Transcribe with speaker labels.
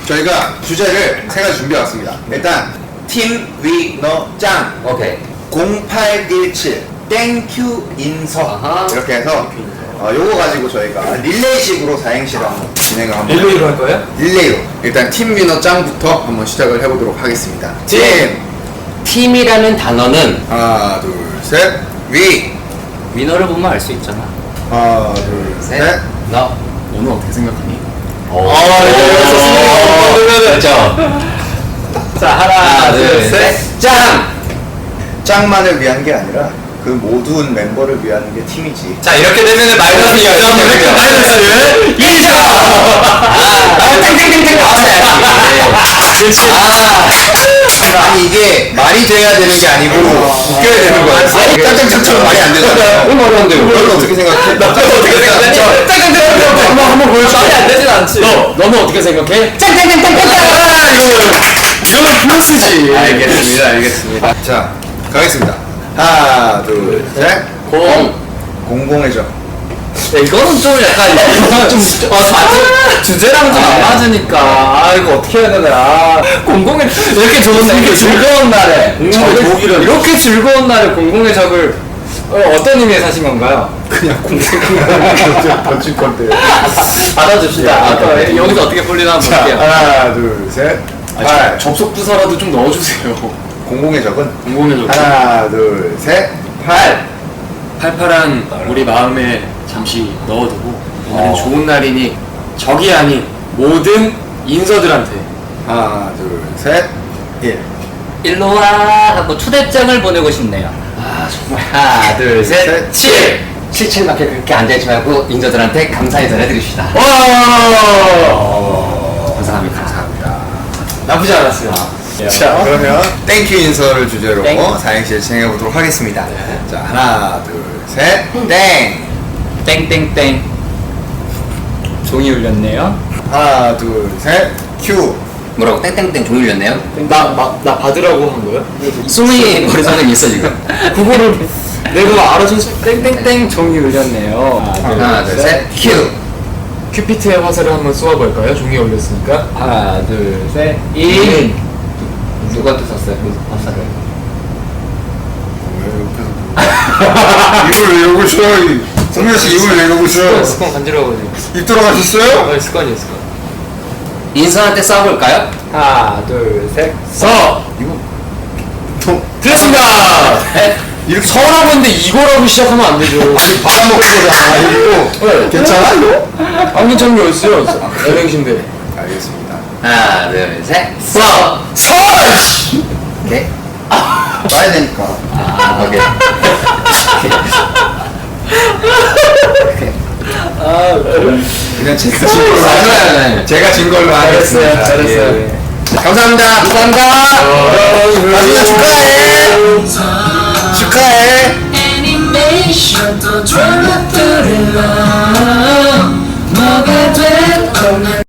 Speaker 1: 저희가 주제를 세 가지 준비해왔습니다. 일단 팀 위너 짱
Speaker 2: 오케이.
Speaker 1: 0817 땡큐 인서
Speaker 2: 아하.
Speaker 1: 이렇게 해서 요거 가지고 저희가 릴레이식으로 사행시를 한번 진행을 한번
Speaker 3: 릴레이로 할 거예요?
Speaker 1: 릴레이로 일단 팀 위너 짱부터 한번 시작을 해보도록 하겠습니다.
Speaker 2: 팀이라는 단어는
Speaker 1: 하나 둘셋 위
Speaker 2: 위너를 보면 알 수 있잖아.
Speaker 1: 하나 둘셋
Speaker 2: 너.
Speaker 3: 너는 어떻게 생각하니?
Speaker 2: 그렇죠. 자, 하나, 둘, 셋. 짱!
Speaker 1: 짱만을 위한 게 아니라 그 모든 멤버를 위한 게 팀이지.
Speaker 3: 자, 이렇게 되면은 마이너스 2점, 이렇게 마이너스 2점!
Speaker 2: 땡땡땡땡 나왔어야지.
Speaker 3: 그렇지.
Speaker 1: 아니 이게 말이 돼야 되는 게 아니고 웃겨야 되는 거야. 짱짱짱처럼 말이 안 되잖아.
Speaker 2: 너무 어려운데.
Speaker 1: 너는 어떻게 생각해?
Speaker 3: 어떻게 생각해? 짱짱짱! 한번 보여줘. 말이 안 되진 않지. 너는 어떻게 생각해?
Speaker 2: 짱짱짱짱짱!
Speaker 3: 이거는 플러스지.
Speaker 1: 알겠습니다. 자, 가겠습니다. 하나, 둘, 셋. 공공의 점.
Speaker 3: 이거는 좀 약간 주제랑 좀 안 맞으니까 아 이거 어떻게 해야 되나 공공의 이렇게 좋은 이렇게 즐거운 날에 이렇게 즐거운 날에 공공의 적을 어떤 의미에서 하신 건가요?
Speaker 1: 그냥 공공의 던질 건데.
Speaker 3: 받아줍시다. 여기서 어떻게 풀리나 한번
Speaker 1: 자,
Speaker 3: 볼게요.
Speaker 1: 하나, 둘, 셋. 팔.
Speaker 3: 접속 부사라도 좀 넣어주세요.
Speaker 1: 공공의 적은
Speaker 3: 공공의 적.
Speaker 1: 하나, 둘, 셋. 팔.
Speaker 3: 팔팔한 우리 마음에 잠시 넣어두고 오늘은 좋은 날이니 적이 아닌 모든 인서들한테
Speaker 1: 하나, 둘, 셋. 1.
Speaker 2: 일로 와 하고 초대장을 보내고 싶네요. 아 정말. 하나, 둘, 셋. 7. 77밖에 그렇게 앉아있지 말고 인저들한테 감사의 전해드립시다. 감사합니다.
Speaker 1: 감사합니다.
Speaker 3: 나쁘지 않았어요.
Speaker 1: 자, 그러면 땡큐 인서를 주제로
Speaker 2: 땡.
Speaker 1: 사행시를 진행해 보도록 하겠습니다. 자, 하나, 둘, 셋. 땡.
Speaker 2: 땡땡땡. 종이 울렸네요.
Speaker 1: 하나, 둘, 셋. 큐.
Speaker 2: 뭐라고 땡땡땡 종이 울렸네요?
Speaker 3: 나 받으라고 한 거야?
Speaker 2: 숨이 머릿속에 있어 지금.
Speaker 3: 그거를 내가 알아줘서 땡땡땡 종이 울렸네요.
Speaker 1: 하나, 둘, 셋. 큐.
Speaker 3: 큐피트의 화살을 한번 쏘아볼까요? 종이에 올렸으니까.
Speaker 2: 하나, 둘, 셋. 1. 누구한테 쐈어요? 그 화살을.
Speaker 1: 이걸 왜 욕을 쳐요? 성현 씨 이걸 왜 욕을 쳐요?
Speaker 3: 습관 간지러워가지고.
Speaker 1: 입 들어가셨어요?
Speaker 3: 습관이야.
Speaker 2: 인선한테 쏴볼까요?
Speaker 3: 하나, 둘, 셋. 서!
Speaker 1: 이거
Speaker 3: 됐습니다!
Speaker 1: 이렇게
Speaker 3: 서라고 했는데 이거라고 시작하면 안 되죠.
Speaker 1: 받아먹은 거잖아. 이거 괜찮아 이거?
Speaker 3: 안 괜찮은 게 어딨어요? LX인데.
Speaker 1: 알겠습니다.
Speaker 2: 하나, 둘, 셋.
Speaker 3: 서!
Speaker 2: 네.
Speaker 1: 봐야 되니까.
Speaker 2: 오케이.
Speaker 1: 그냥 제가 진 걸로 하겠습니다. 제가 진 걸로 하겠습니다.
Speaker 3: 잘했어요.
Speaker 1: 예. 감사합니다.
Speaker 2: 감사합니다.
Speaker 1: 가수야 축하해. 축하해.
Speaker 4: 애니메이션 또 드라마